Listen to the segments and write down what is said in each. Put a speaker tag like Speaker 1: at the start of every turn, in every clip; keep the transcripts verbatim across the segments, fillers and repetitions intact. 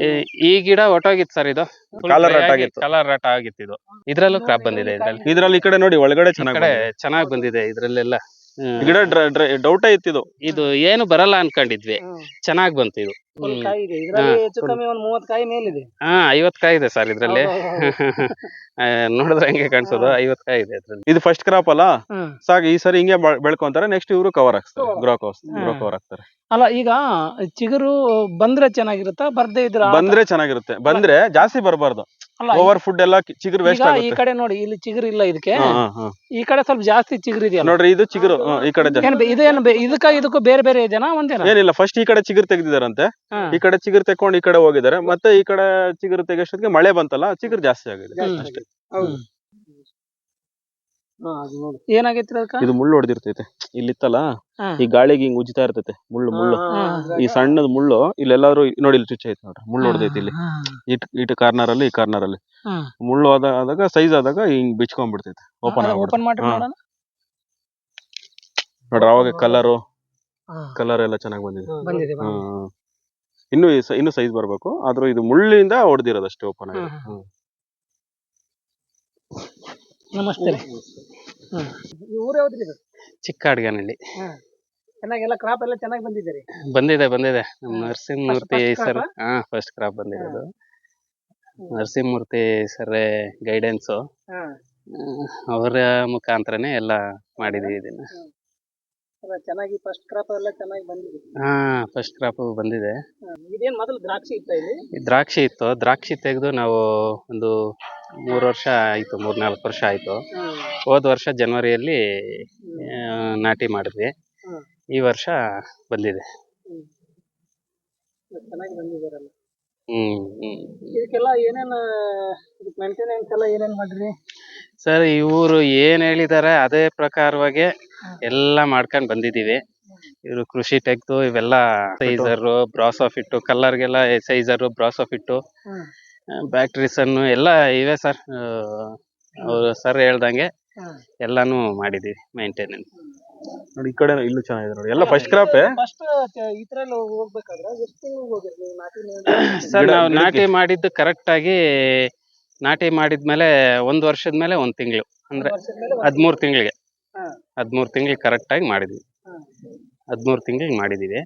Speaker 1: ಈ ಗಿಡ ಒಟ್ಟೋಗಿತ್ತು ಸರ್, ಇದು
Speaker 2: ಕಾಲರ್ ರಟ್ ಆಗಿತ್ತು.
Speaker 1: ಕಲರ್ ರಟ್ ಆಗಿತ್ತು. ಇದು ಇದ್ರಲ್ಲೂ ಕ್ರಾಪ್ ಬಂದಿದೆ. ಇದ್ರಲ್ಲಿ
Speaker 2: ಇದ್ರಲ್ಲಿ ಈ ಕಡೆ ನೋಡಿ ಒಳಗಡೆ ಚೆನ್ನಾಗಿ
Speaker 1: ಚೆನ್ನಾಗಿ ಬಂದಿದೆ. ಇದ್ರಲ್ಲೆಲ್ಲ
Speaker 2: ಗಿಡ ಡೌಟ್ ಇತ್ತು. ಇದು
Speaker 1: ಇದು ಏನು ಬರಲ್ಲ ಅನ್ಕೊಂಡಿದ್ವಿ, ಚೆನ್ನಾಗ್ ಬಂತು. ಇದು ಹಾ ಐವತ್ ಕಾಯಿ ಇದೆ ಸರ್ ಇದ್ರಲ್ಲಿ. ನೋಡಿದ್ರೆ ಹಂಗೆ ಕಾಣಿಸೋದು, ಐವತ್ ಕಾಯಿ ಇದೆ ಇದ್ರಲ್ಲಿ.
Speaker 2: ಇದು ಫಸ್ಟ್ ಕ್ರಾಪ್ ಅಲ್ಲ ಸಾಕು. ಈ ಸರಿ ಹಿಂಗೆ ಬೆಳ್ಕೊಂತಾರೆ, ನೆಕ್ಸ್ಟ್ ಇವರು ಕವರ್ ಆಗ್ತಾರೆ, ಗ್ರೋ ಗ್ರೋ ಕವರ್ ಆಗ್ತಾರೆ.
Speaker 3: ಅಲ್ಲ, ಈಗ ಚಿಗುರು ಬಂದ್ರೆ ಚೆನ್ನಾಗಿರುತ್ತಾ, ಬರ್ದೇ ಇದ್ರೆ?
Speaker 2: ಬಂದ್ರೆ ಚೆನ್ನಾಗಿರುತ್ತೆ. ಬಂದ್ರೆ ಜಾಸ್ತಿ ಬರಬಾರ್ದು, ಓವರ್ ಫುಡ್ ಎಲ್ಲ ಚಿಗುರು ವೇಸ್ಟ್ ಆಗುತ್ತೆ.
Speaker 3: ಈ ಕಡೆ ನೋಡಿ, ಇಲ್ಲಿ ಚಿಗುರು ಇಲ್ಲ ಇದಕ್ಕೆ, ಈ ಕಡೆ ಸ್ವಲ್ಪ ಜಾಸ್ತಿ ಚಿಗುರು ಇದೆಯಲ್ಲ
Speaker 2: ನೋಡ್ರಿ. ಇದು ಚಿಗುರು ಈ ಕಡೆ
Speaker 3: ಇದೇನು ಇದಕ್ಕ ಇದಕ್ಕೂ ಬೇರೆ ಬೇರೆ ಇದೆನಾ ಒಂದೇನಾ?
Speaker 2: ಏನಿಲ್ಲ, ಫಸ್ಟ್ ಈ ಕಡೆ ಚಿಗುರು ತೆಗೆದಿದಾರಂತೆ, ಈ ಕಡೆ ಚಿಗುರು ತೆಕೊಂಡು ಈ ಕಡೆ ಹೋಗಿದ್ದಾರೆ. ಮತ್ತೆ ಈ ಕಡೆ ಚಿಗುರು ತೆಗೆಷ್ಟೊತ್ತಿಗೆ ಮಳೆ ಬಂತಲ್ಲ, ಚಿಗುರು ಜಾಸ್ತಿ ಆಗಿದೆ ಅಷ್ಟೇ.
Speaker 3: ಏನಾಗೈತಿ
Speaker 2: ಇದು ಮುಳ್ಳು ಹೊಡೆದಿರ್ತೈತೆ ಇಲ್ಲಿತ್ತಲ್ಲ, ಈ ಗಾಳಿಗೆ ಹಿಂಗ್ ಉಜ್ತಾ ಇರ್ತೈತೆ ಮುಳ್ಳು ಮುಳ್ಳು ಈ ಸಣ್ಣದ ಮುಳ್ಳು ಇಲ್ಲೆಲ್ಲಾದ್ರೂ ನೋಡಿ, ಇಲ್ಲಿ ಚುಚ್ಚ ಐತೆ ನೋಡ್ರಿ, ಮುಳ್ಳು ಹೊಡೆದೈತಿ ಇಲ್ಲಿ ಇಟ್ ಇಟ್ ಕಾರ್ನರ್ ಅಲ್ಲಿ. ಈ ಕಾರ್ನರ್ ಅಲ್ಲಿ ಮುಳ್ಳು ಆದಾಗ ಸೈಜ್ ಆದಾಗ ಹಿಂಗ್ ಬಿಚ್ಕೊಂಡ್ಬಿಡ್ತೈತೆ, ಓಪನ್
Speaker 3: ಓಪನ್ ಮಾಡಿ
Speaker 2: ನೋಡ್ರಿ. ಅವಾಗ ಕಲರು ಕಲರ್ ಎಲ್ಲ ಚೆನ್ನಾಗಿ ಬಂದಿದೆ. ಹ್ಮ್ ಇನ್ನು ಇನ್ನು ಸೈಜ್ ಬರ್ಬೇಕು, ಆದ್ರೂ ಇದು ಮುಳ್ಳಿಂದ ಹೊಡೆದಿರೋದಷ್ಟೇ ಓಪನ್ ಆಗಿ.
Speaker 3: ನಮಸ್ತೆ. ಊರು ಯಾವ್ದು?
Speaker 1: ಚಿಕ್ಕಾಡ್ಗನಹಳ್ಳಿ.
Speaker 3: ಚೆನ್ನಾಗೆಲ್ಲ ಕ್ರಾಪ್ ಎಲ್ಲ ಚೆನ್ನಾಗಿ ಬಂದಿದೆ.
Speaker 1: ಬಂದಿದೆ ಬಂದಿದೆ ನಮ್ಮ ನರಸಿಂಹಮೂರ್ತಿ ಸರ್. ಹಾ ಫಸ್ಟ್ ಕ್ರಾಪ್ ಬಂದಿರೋದು. ನರಸಿಂಹಮೂರ್ತಿ ಸರ್ ಗೈಡೆನ್ಸು, ಅವರ ಮುಖಾಂತರನೇ ಎಲ್ಲ ಮಾಡಿದೀವಿ ಇದನ್ನ.
Speaker 3: ಚೆನ್ನಾಗಿ ಫಸ್ಟ್ ಕ್ರಾಪ್ ಎಲ್ಲ ಚೆನ್ನಾಗಿ ಬಂದಿದೆ.
Speaker 1: ಹಾ ಫಸ್ಟ್ ಕ್ರಾಪ್ ಬಂದಿದೆ.
Speaker 3: ಇದೇನ್ ಮೊದಲು ದ್ರಾಕ್ಷಿ ಇತ್ತ? ಇಲ್ಲಿ
Speaker 1: ದ್ರಾಕ್ಷಿ ಇತ್ತು. ದ್ರಾಕ್ಷಿ ತೆಗೆದು ನಾವು ಒಂದು ಮೂರು ವರ್ಷ ಆಯ್ತು, ಮೂರ್ ನಾಲ್ಕು ವರ್ಷ ಆಯ್ತು. ಹೋದ ವರ್ಷ ಜನವರಿಯಲ್ಲಿ ನಾಟಿ ಮಾಡಿದ್ವಿ. ಈ ವರ್ಷ ಬಂದಿದೆ.
Speaker 3: ಚೆನ್ನಾಗಿ ಬಂದಿದಾರಲ್ಲ.
Speaker 1: ಹ್ಮ್ ಹ್ಮ್
Speaker 3: ಇದಕ್ಕೆಲ್ಲ ಏನೇನು ಮೇಂಟೆನೆನ್ಸ್ ಎಲ್ಲ ಏನೇನ್ ಮಾಡ್ರಿ
Speaker 1: ಸರ್? ಇವರು ಏನ್ ಹೇಳಿದಾರೆ ಅದೇ ಪ್ರಕಾರವಾಗಿ ಎಲ್ಲ ಮಾಡ್ಕೊಂಡ್ ಬಂದಿದೀವಿ. ಇವರು ಕೃಷಿ ಟೆಕ್ದು ಇವೆಲ್ಲ ಸೈಜರು, ಬ್ರಾಸೋಫಿಟ್ಟು, ಕಲ್ಲರ್ಗೆಲ್ಲ ಸೈಜರು, ಬ್ರಾಸೋಫಿಟ್ಟು, ಬ್ಯಾಕ್ಟ್ರಿಸನ್ನು ಎಲ್ಲ ಇವೆ ಸರ್. ಅವರು ಸರ್ ಹೇಳ್ದಂಗೆ ಎಲ್ಲಾನು ಮಾಡಿದೀವಿ ಮೇಂಟೆನೆನ್ಸ್.
Speaker 2: ನೋಡಿ ಈ ಕಡೆ ಇಲ್ಲೂ ಚೆನ್ನಾಗಿದೆ ನೋಡಿ, ಎಲ್ಲ ಫಸ್ಟ್ ಕ್ರಾಪ್.
Speaker 3: ಫಸ್ಟ್ ಇದ್ರಲ್ಲಿ ಹೋಗ್ಬೇಕಾದ್ರೆ ಎಷ್ಟು ತಿಂಗಳು ಹೋಗಿದ್ರಿ ನಾಟಿ?
Speaker 1: ಸರ್ ನಾವು ನಾಟಿ ಮಾಡಿದ್ದು ಕರೆಕ್ಟ್ ಆಗಿ ನಾಟಿ ಮಾಡಿದ್ಮೇಲೆ ಒಂದ್ ವರ್ಷದ ಮೇಲೆ ಒಂದ್ ತಿಂಗಳು, ಅಂದ್ರೆ ಹದ್ಮೂರ್ ತಿಂಗಳಿಗೆ ಹದ್ಮೂರ್ ತಿಂಗಳಿಗೆ ಕರೆಕ್ಟ್ ಆಗಿ ಮಾಡಿದ್ವಿ. ಹದ್ಮೂರ್ ತಿಂಗಳಿಗೆ ಮಾಡಿದೀವಿ.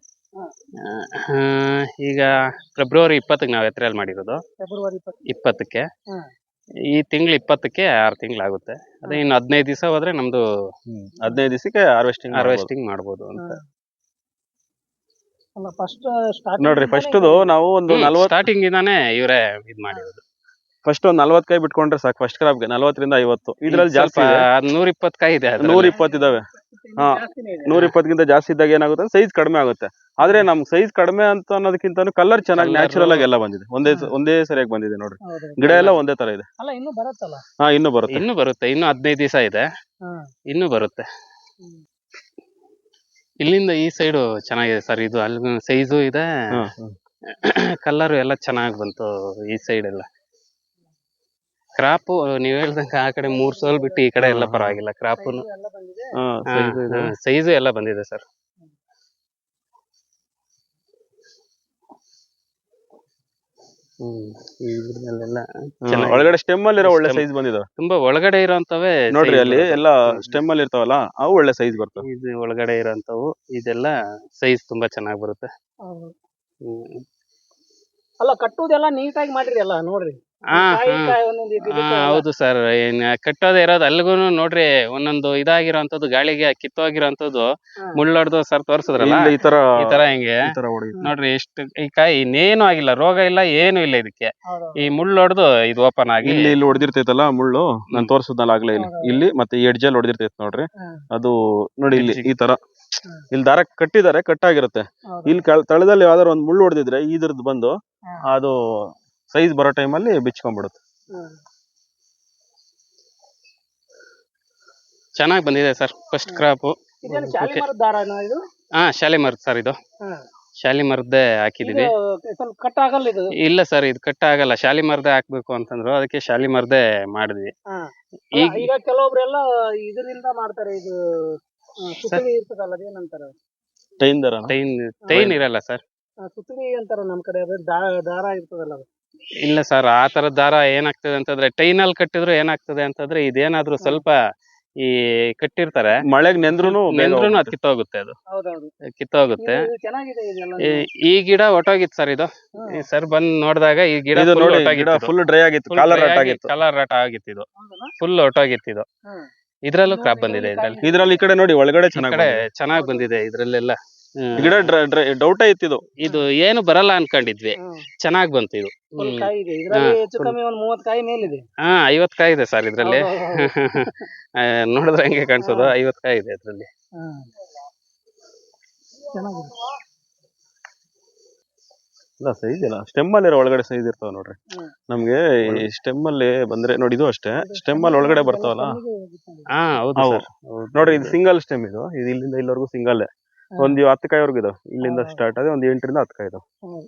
Speaker 1: ಈಗ ಫೆಬ್ರವರಿ ಇಪ್ಪತ್ತಕ್ಕೆ ನಾವು ಎತ್ರೆಯಲ್ಲಿ ಮಾಡಿರೋದು. ಇಪ್ಪತ್ತಕ್ಕೆ ಈ ತಿಂಗಳು ಇಪ್ಪತ್ತಕ್ಕೆ ಆರು ತಿಂಗಳಾಗುತ್ತೆ. ಅದೇ ಇನ್ನು ಹದಿನೈದು ದಿವಸ ಹೋದ್ರೆ ನಮ್ದು
Speaker 2: ಹದಿನೈದು ದಿವಸಕ್ಕೆ ಹಾರ್ವೆಸ್ಟಿಂಗ್
Speaker 1: ಹಾರ್ವೆಸ್ಟಿಂಗ್ ಮಾಡ್ಬೋದು ಅಂತ.
Speaker 2: ನೋಡ್ರಿ ಫಸ್ಟ್ ನಾವು ಒಂದು ನಲ್ವತ್ತು
Speaker 1: ಸ್ಟಾರ್ಟಿಂಗ್ ಇಂದಾನೆ ಇವರೇ ಇದ್ ಮಾಡಿರೋದು.
Speaker 2: ಫಸ್ಟ್ ಒಂದ್ ನಲ್ವತ್ ಕಾಯಿ ಬಿಟ್ಕೊಂಡ್ರೆ ಸಾಕು ಫಸ್ಟ್ ಕ್ರಾಪ್ಗೆ, ನಲ್ವತ್ತರಿಂದ ಐವತ್ತು. ಇದ್ರಲ್ಲಿ ಜಾಸ್ತಿ
Speaker 1: ನೂರ ಇಪ್ಪತ್ತು ಕಾಯಿ ಇದೆ,
Speaker 2: ನೂರ ಇಪ್ಪತ್ತು ಇದಾವೆ. ಹಾ ನೂರ ಇಪ್ಪತ್ತಕ್ಕಿಂತ ಜಾಸ್ತಿ ಇದ್ದಾಗ ಏನಾಗುತ್ತೆ, ಸೈಜ್ ಕಡಿಮೆ ಆಗುತ್ತೆ. ಆದ್ರೆ ನಮ್ ಸೈಜ್ ಕಡಿಮೆ ಅಂತ ಅನ್ನೋದಕ್ಕಿಂತ ಕಲರ್ ಚೆನ್ನಾಗಿ ನ್ಯಾಚುರಲ್ ಆಗಿ ಎಲ್ಲ ಬಂದಿದೆ. ಒಂದೇ ಒಂದೇ ಸರಿಯಾಗಿ ಬಂದಿದೆ ನೋಡ್ರಿ. ಗಿಡ ಎಲ್ಲ ಒಂದೇ ತರ ಇದೆ.
Speaker 3: ಹಾ ಇನ್ನು
Speaker 1: ಬರುತ್ತೆ ಇನ್ನು ಬರುತ್ತೆ ಇನ್ನು ಹದಿನೈದು ದಿವಸ ಇದೆ, ಇನ್ನು ಬರುತ್ತೆ. ಇಲ್ಲಿಂದ ಈ ಸೈಡು ಚೆನ್ನಾಗಿದೆ ಸರ್. ಇದು ಅಲ್ಲಿ ಸೈಜು ಇದೆ, ಕಲರ್ ಎಲ್ಲ ಚೆನ್ನಾಗಿ ಬಂತು. ಈ ಸೈಡ್ ಎಲ್ಲ ಕ್ರಾಪು ನೀವ್ ಹೇಳ್ದಂಗ ಆ ಕಡೆ ಮೂರ್ ಸೋಲ್ ಬಿಟ್ಟು ಈ ಕಡೆ ಎಲ್ಲ ಪರವಾಗಿಲ್ಲ. ಕ್ರಾಪು ಸೈಜು ಎಲ್ಲ ಬಂದಿದೆ ಸರ್. ಹ್ಮ್
Speaker 2: ಒಳಗಡೆ ಸ್ಟೆಮ್ ಅಲ್ಲಿ ಇರೋ ಒಳ್ಳೆ ಸೈಜ್ ಬಂದಿದೆ.
Speaker 1: ತುಂಬಾ ಒಳಗಡೆ ಇರೋಂತವೇ
Speaker 2: ನೋಡ್ರಿ, ಅಲ್ಲಿ ಎಲ್ಲ ಸ್ಟೆಮ್ ಅಲ್ಲಿ ಇರ್ತಾವಲ್ಲ ಅವು ಒಳ್ಳೆ ಸೈಜ್ ಬರ್ತವೆ.
Speaker 1: ಇದು ಒಳಗಡೆ ಇರೋಂತವು ಇದೆಲ್ಲ ಸೈಜ್ ತುಂಬಾ ಚೆನ್ನಾಗಿ ಬರುತ್ತೆ. ಹ್ಮ್
Speaker 3: ಅಲ್ಲ, ಕಟ್ಟುದೆಲ್ಲ ನೀಟಾಗಿ ಮಾಡಿರಿ ಅಲ್ಲ ನೋಡ್ರಿ.
Speaker 1: ಹಾ ಹೌದು ಸರ್. ಏನ್ ಕಟ್ಟೋದೇ ಇರೋದು ಅಲ್ಗೂ ನೋಡ್ರಿ, ಒಂದೊಂದು ಇದಾಗಿರೋಂಥದ್ದು, ಗಾಳಿಗೆ ಕಿತ್ತೋಗಿರೋಂಥದ್ದು ಮುಳ್ಳೊಡ್ದು ಸರ್ ತೋರ್ಸಿದ್ರಲ್ಲ,
Speaker 2: ಈ ತರ
Speaker 1: ಈ ತರ ಹಿಂಗೆ ನೋಡ್ರಿ. ಎಷ್ಟು ಈ ಕಾಯಿ ಇನ್ನೇನು ಆಗಿಲ್ಲ, ರೋಗ ಇಲ್ಲ, ಏನು ಇಲ್ಲ ಇದಕ್ಕೆ. ಈ ಮುಳ್ಳೊಡ್ದು ಇದು ಓಪನ್ ಆಗಿ
Speaker 2: ಇಲ್ಲಿ ಇಲ್ಲಿ ಹೊಡೆದಿರ್ತೈತಲ್ಲ ಮುಳ್ಳು, ನಾನ್ ತೋರ್ಸುದ್ನಲ್ಲ ಆಗ್ಲೇ, ಇಲ್ಲಿ ಇಲ್ಲಿ ಮತ್ತೆ ಈ ಎಡ್ಜಲ್ಲಿ ಹೊಡೆದಿರ್ತೈತೆ ನೋಡ್ರಿ. ಅದು ನೋಡಿ ಇಲ್ಲಿ ಈ ತರ ಇಲ್ಲಿ ದಾರ ಕಟ್ಟಿದ್ದಾರೆ, ಕಟ್ಟಾಗಿರುತ್ತೆ. ಇಲ್ಲಿ ತಳದಲ್ಲಿ ಯಾವ್ದಾರು ಒಂದ್ ಮುಳ್ಳು ಹೊಡೆದಿದ್ರೆ ಇದ್ರದ್ದು ಬಂದು ಅದು ಸೈಜ್ ಬರೋ ಟೈಮಲ್ಲಿ ಬಿಚ್ಕೊಂಡ್ಬಿಡುತ್ತೆ.
Speaker 1: ಚೆನ್ನಾಗಿ ಬಂದಿದೆ ಸರ್ ಫಸ್ಟ್ ಕ್ರಾಪು. ಹಾ ಶಾಲಿಮರದ ಸರ್, ಇದು ಶಾಲಿಮರದ್ದೇ ಹಾಕಿದೀವಿ. ಇಲ್ಲ ಸರ್, ಇದು ಕಟ್ ಆಗಲ್ಲ. ಶಾಲಿಮರದ್ದೇ ಹಾಕ್ಬೇಕು ಅಂತಂದ್ರು, ಅದಕ್ಕೆ ಶಾಲಿಮರದ್ದೇ ಮಾಡಿದ್ವಿ.
Speaker 3: ಈಗ ಕೆಲವೊಬ್ರೆಲ್ಲ ಇದರಿಂದ ಮಾಡ್ತಾರೆ, ಇದು
Speaker 1: ಟೈನ್ ಟೈನ್ ಇರಲ್ಲ ಸರ್.
Speaker 3: ಸುತ್ತಳಿ ಅಂತಾರ ನಮ್ ಕಡೆ ಅದು ದಾ- ದಾರ ಇರ್ತದಲ್ಲ ಅದು.
Speaker 1: ಇಲ್ಲ ಸರ್ ಆ ತರದ ದಾರ ಏನಾಗ್ತದೆ ಅಂತಂದ್ರೆ ಟೈನಲ್ಲಿ ಕಟ್ಟಿದ್ರು ಏನಾಗ್ತದೆ ಅಂತಂದ್ರೆ ಇದೇನಾದ್ರೂ ಸ್ವಲ್ಪ ಈ ಕಟ್ಟಿರ್ತಾರೆ
Speaker 2: ಮಳೆಗ್ ನೆಂದ್ರುನು ಬೇಗ
Speaker 1: ನೆಂದ್ರೂ ಅದು
Speaker 2: ಹೋಗುತ್ತೆ.
Speaker 1: ಕಿತ್ತೋಗುತ್ತೆ, ಅದು
Speaker 3: ಹೌದೌದು.
Speaker 1: ಕಿತ್ತೋಗುತ್ತೆ.
Speaker 3: ಇದು ಚೆನ್ನಾಗಿದೆ ಇದೆಲ್ಲ.
Speaker 1: ಈ- ಈ ಗಿಡ ಒಟ್ಟೋಗಿತ್ತು ಸರ್ ಇದು.
Speaker 3: ಹ್ಮ್.
Speaker 1: ಸರ್ ಬಂದ್ ನೋಡಿದಾಗ ಈ ಗಿಡ
Speaker 2: ಇದು
Speaker 1: full
Speaker 2: ನೋಡಿ ಗಿಡ
Speaker 1: ಒಟ್ಟೋಗಿತ್ತು,
Speaker 2: ಫುಲ್ ಡ್ರೈ ಆಗಿತ್ತು, ಕಾಲರ್ ರಟ್ ಆಗಿತ್ತು.
Speaker 1: ಕಲರ್ ರಟ ಆಗಿತ್ತು, ಇದು
Speaker 3: ಹೌದಲ್ಲ?
Speaker 1: ಫುಲ್ ಒಟ್ಟೋಗಿತ್ತು ಇದು.
Speaker 3: ಹ್ಮ್.
Speaker 1: ಇದ್ರಲ್ಲೂ
Speaker 3: ನೋಡಿ,
Speaker 1: ಕ್ರಾಪ್ ಬಂದಿದೆ,
Speaker 3: ಇದ್ರಲ್ಲಿ
Speaker 1: ಇದ್ರಲ್ಲಿ
Speaker 2: ಇದ್ರಲ್ಲಿ ಈ ಕಡೆ ನೋಡಿ ಒಳಗಡೆ
Speaker 1: ಈ
Speaker 2: ಚೆನ್ನಾಗಿ
Speaker 1: ಕಡೆ ಚೆನ್ನಾಗ್ ಬಂದಿದೆ ಇದ್ರಲ್ಲೆಲ್ಲ. ಹ್ಮ್.
Speaker 2: ಗಿಡ ಡ್ರೈ ಡೌಟೇ ಇತ್ತಿದು.
Speaker 1: ಇದು ಏನು ಬರಲ್ಲ ಅನ್ಕೊಂಡಿದ್ವಿ,
Speaker 3: ಹ್ಮ್.
Speaker 1: ಚೆನ್ನಾಗ್ ಬಂತು ಇದು.
Speaker 3: ಫುಲ್
Speaker 1: ಹ್ಮ್.
Speaker 3: ಕಾಯಿ ಇದೆ ಇದ್ರಲ್ಲಿ,
Speaker 1: ಹಾ,
Speaker 3: ಹೆಚ್ಚು
Speaker 1: full.
Speaker 3: ಕಮ್ಮಿ ಒಂದ್ ಮೂವತ್ ಕಾಯಿ ಮೇಲಿದೆ.
Speaker 1: ಹಾ ಐವತ್ ಕಾಯಿ ಇದೆ ಸರ್ ಇದ್ರಲ್ಲಿ.
Speaker 3: ಹೌದೌದು.
Speaker 1: ಆ, ನೋಡಿದ್ರೆ ಹೆಂಗೆ ಕಾಣಿಸೋದು,
Speaker 3: ಹಾ.
Speaker 1: ಐವತ್ ಕಾಯಿ ಇದೆ ಇದ್ರಲ್ಲಿ.
Speaker 3: ಹ್ಮ್. ಚೆನ್ನಾಗಿದೆ.
Speaker 2: ಇಲ್ಲ ಸೈಜ್ ಇಲ್ಲ, ಸ್ಟೆಮ್ ಅಲ್ಲಿ ಒಳಗಡೆ ಸೈಜ್ ಇರ್ತಾವ ನೋಡ್ರಿ.
Speaker 3: ಹ್ಮ್.
Speaker 2: ನಮ್ಗೆ ಈ ಸ್ಟೆಮ್ ಅಲ್ಲಿ ಬಂದ್ರೆ ನೋಡಿ, ಇದು ಅಷ್ಟೇ ಸ್ಟೆಮ್ ಅಲ್ಲಿ ಒಳಗಡೆ ಬರ್ತಾವಲ್ಲ.
Speaker 1: ಹಾ ಹೌದು
Speaker 2: ಅವು
Speaker 1: ಸರ್.
Speaker 2: ನೋಡ್ರಿ, ಇದು ಸಿಂಗಲ್ ಸ್ಟೆಮ್, ಇದು ಇದು ಇಲ್ಲಿಂದ ಇಲ್ಲಿವರೆಗೂ ಸಿಂಗಲ್. ಒಂದು ಹತ್ತು ಕಾಯಿವರೆಗೂ ಇದಾವೆ, ಇಲ್ಲಿಂದ
Speaker 3: ಹಾ.
Speaker 2: ಸ್ಟಾರ್ಟ್ ಆಗಿ ಒಂದು ಎಂಟರಿಂದ ಹತ್ತು ಕಾಯಿ ಇದಾವೆ.
Speaker 3: ಹ್ಮ್.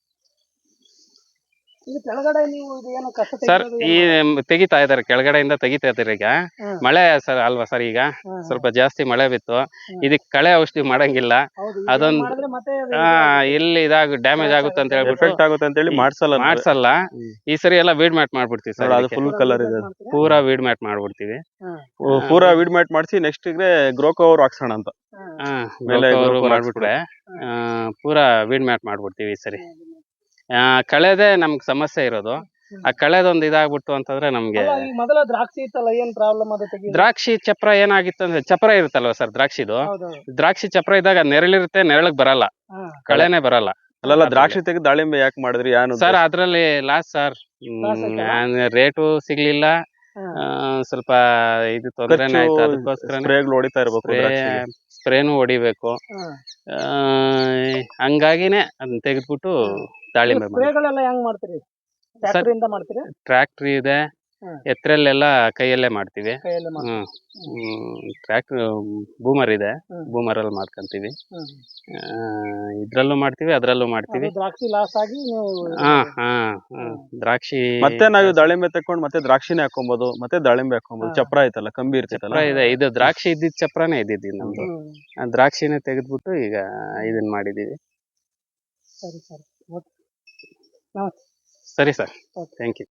Speaker 3: ಇದು ಕೆಳಗಡೆ ನೀವು ಇದು ಏನು ಕಸ
Speaker 1: ಸರ್
Speaker 3: ತೆಗೆಯೋದು
Speaker 1: ಈ
Speaker 3: ಏನ್ ಮಾಡೋದು?
Speaker 1: ತೆಗಿತಾ ಇದಾರೆ, ಕೆಳಗಡೆಯಿಂದ ತೆಗಿತಾ ಇದಾರೆ ಈಗ.
Speaker 3: ಹ್ಮ್.
Speaker 1: ಮಳೆ ಸರ್ ಅಲ್ವಾ ಸರ್, ಈಗ
Speaker 3: ಹ್ಮ್.
Speaker 1: ಸ್ವಲ್ಪ ಜಾಸ್ತಿ ಮಳೆ ಬಿತ್ತು. ಇದಕ್ ಕಳೆ ಔಷಧಿ ಮಾಡಂಗಿಲ್ಲ.
Speaker 3: ಹೌದು, ಇದನ್ನ
Speaker 1: ಅದೊಂದ್
Speaker 3: ಮಾಡಿದ್ರೆ ಮತ್ತೆ ಅದು
Speaker 1: ಆ
Speaker 3: ಇದಾಗುತ್ತೆ.
Speaker 1: ಇಲ್ಲಿ ಇದಾಗ ಡ್ಯಾಮೇಜ್ ಆಗುತ್ತೆ ಅಂತ ಹೇಳ್ಬಿಟ್ಟು
Speaker 2: ಎಫೆಕ್ಟ್ ಆಗುತ್ತೆ ಅಂತ ಹೇಳಿ ಮಾಡ್ಸಲ್ಲ ನಾವು.
Speaker 1: ಮಾಡ್ಸಲ್ಲ.
Speaker 2: ಹ್ಮ್.
Speaker 1: ಈ ಸರಿ ಎಲ್ಲ ವೀಡ್ ಮ್ಯಾಟ್ ಮಾಡ್ಬಿಡ್ತೀವಿ ಸರ್,
Speaker 2: ನೋಡು, ಅದು
Speaker 1: ಇದಕ್ಕೆ.
Speaker 2: ಫುಲ್ ಕಲರ್ ಇದೆ.
Speaker 3: ಮಾಡ್ತೀರಾ?
Speaker 1: ಪೂರಾ ವೀಡ್ ಮ್ಯಾಟ್ ಮಾಡ್ಬಿಡ್ತೀವಿ.
Speaker 3: ಹ್ಮ್.
Speaker 2: ಓ, ಪೂರಾ ವೀಡ್ ಮ್ಯಾಟ್ ಮಾಡಿಸಿ ನೆಕ್ಸ್ಟ್ ಗೆ ಗ್ರೋ ಕವರ್ ಹಾಕ್ಸೋಣ ಅಂತ.
Speaker 3: ಹ್ಮ್.
Speaker 1: ಹಾ
Speaker 2: ಮೇಲೆ
Speaker 1: ಅವರು
Speaker 2: grow
Speaker 1: ಮಾಡ್ಬಿಟ್ರೆ ಆ, ಪೂರಾ ವೀಡ್ ಮ್ಯಾಟ್ ಮಾಡ್ಬಿಡ್ತೀವಿ ಈ ಸರಿ. ಆ, ಕಳೆದೇ ನಮ್ಗೆ ಸಮಸ್ಯೆ ಇರೋದು. ಆ ಕಳೆದೊಂದು ಇದಾಗ್ಬಿಟ್ಟು ಅಂತಂದ್ರೆ ನಮ್ಗೆ
Speaker 3: ಅಲ್ಲ, ಈ ಮೊದಲ ದ್ರಾಕ್ಷಿ ಇತ್ತಲ್ಲ, ಏನ್ ಪ್ರಾಬ್ಲಮ್ ಅದು ತೆಗಿ.
Speaker 1: ದ್ರಾಕ್ಷಿ ಚಪ್ರ ಏನಾಗಿತ್ತು ಅಂದ್ರೆ, ಚಪ್ರ ಇರುತ್ತಲ್ವ ಸರ್ ದ್ರಾಕ್ಷಿದು,
Speaker 3: ಹೌದೌದು.
Speaker 1: ದ್ರಾಕ್ಷಿ ಚಪ್ರ ಇದ್ದಾಗ ನೆರಳಿರುತ್ತೆ, ನೆರಳಿಗೆ ಬರಲ್ಲ,
Speaker 3: ಹಾ.
Speaker 1: ಕಳೆನೆ ಬರಲ್ಲ.
Speaker 2: ಅಲ್ಲಲ್ಲ, ದ್ರಾಕ್ಷಿ ತೆಗೆದು ದಾಳಿಂಬೆ ಯಾಕೆ ಮಾಡಿದ್ರಿ? ಏನು
Speaker 1: ಸರ್ ಅದ್ರಲ್ಲಿ ಲಾಸ್ ಸರ್,
Speaker 3: Loss ಆಯ್ತಲ್ಲ?
Speaker 1: ರೇಟು ಸಿಗ್ಲಿಲ್ಲ.
Speaker 3: ಹಾ.
Speaker 1: ಆ, ಸ್ವಲ್ಪ ಇದು ತೊಂದರೆನೇ ಆಯ್ತು, ಅದಕ್ಕೋಸ್ಕರ
Speaker 2: ಸ್ಪ್ರೇಗಳು ಹೊಡಿತಾ ಇರ್ಬೇಕು
Speaker 1: ಸ್ಪ್ರೇ
Speaker 2: ದ್ರಾಕ್ಷಿಗೆ.
Speaker 1: ಸ್ಪ್ರೇನು ಹೊಡಿಬೇಕು.
Speaker 3: ಹಾ.
Speaker 1: ಆ, ಹಂಗಾಗಿನೇ ಅದನ್ನ ತೆಗೆದ್ಬಿಟ್ಟು ದಾಳಿಂಬೆ ಮಾಡಿ.
Speaker 3: ಸ್ಪ್ರೇಗಳೆಲ್ಲ ಹೆಂಗ್ ಮಾಡ್ತೀರಿ? ಟ್ರ್ಯಾಕ್ಟರ್ ಇಂದ ಮಾಡ್ತೀರಿ?
Speaker 1: ಟ್ರ್ಯಾಕ್ಟ್ರಿ ಇದೆ,
Speaker 3: ಹ್ಮ್.
Speaker 1: ಎತ್ತರಲ್ಲೆಲ್ಲ ಕೈಯಲ್ಲೇ ಮಾಡ್ತೀವಿ.
Speaker 3: ಕೈಯಲ್ಲೇ ಮಾಡ್ತೀರಿ?
Speaker 1: ಹ್ಮ್ ಟ್ರ್ಯಾಕ್ಟರ್ ಬೂಮರ್ ಇದೆ,
Speaker 3: ಹ್ಮ್.
Speaker 1: ಬೂಮರ್ ಅಲ್ಲಿ ಮಾಡ್ಕೊಂತೀವಿ.
Speaker 3: ಹ್ಮ್.
Speaker 1: ಆ, ಇದ್ರಲ್ಲೂ ಮಾಡ್ತೀವಿ, ಅದ್ರಲ್ಲೂ ಮಾಡ್ತೀವಿ.
Speaker 3: ಅದು ದ್ರಾಕ್ಷಿ ಲಾಸ್ ಆಗಿ ನೀವು ಇದು
Speaker 1: ಹಾ
Speaker 3: ಮಾಡಿದ್ರಿ.
Speaker 1: ಹಾ ಹಾ. ದ್ರಾಕ್ಷಿ
Speaker 2: ಮತ್ತೆ ನಾವು ದಾಳಿಂಬೆ ತಕೊಂಡ್ ಮತ್ತೆ ದ್ರಾಕ್ಷಿನೇ ಹಾಕೊಬಹುದು, ಮತ್ತೆ ದಾಳಿಂಬೆ ಹಾಕೊಬಹುದು.
Speaker 3: ಹಾ.
Speaker 2: ಚಪ್ರ ಐತಲ್ಲ, ಕಂಬಿ ಇರ್ತೈತಲ್ಲ.
Speaker 1: ಚಪ್ರ ಇದೆ, ಇದು ದ್ರಾಕ್ಷಿ ಇದ್ದಿದ್ ಚಪ್ರನೇ ಇದ್ದಿದ್ದು ನಮ್ದು.
Speaker 3: ಹ್ಮ್.
Speaker 1: ಆ ದ್ರಾಕ್ಷಿನೇ ತೆಗೆದ್ಬಿಟ್ಟು ಈಗ ಇದನ್ನ ಮಾಡಿದೀವಿ.
Speaker 3: ಸರಿ ಸರಿ. ಓಕೆ. ನಮಸ್ತೆ.
Speaker 1: ಸರಿ ಸರ್,
Speaker 3: ಓಕೆ.
Speaker 1: Thank you.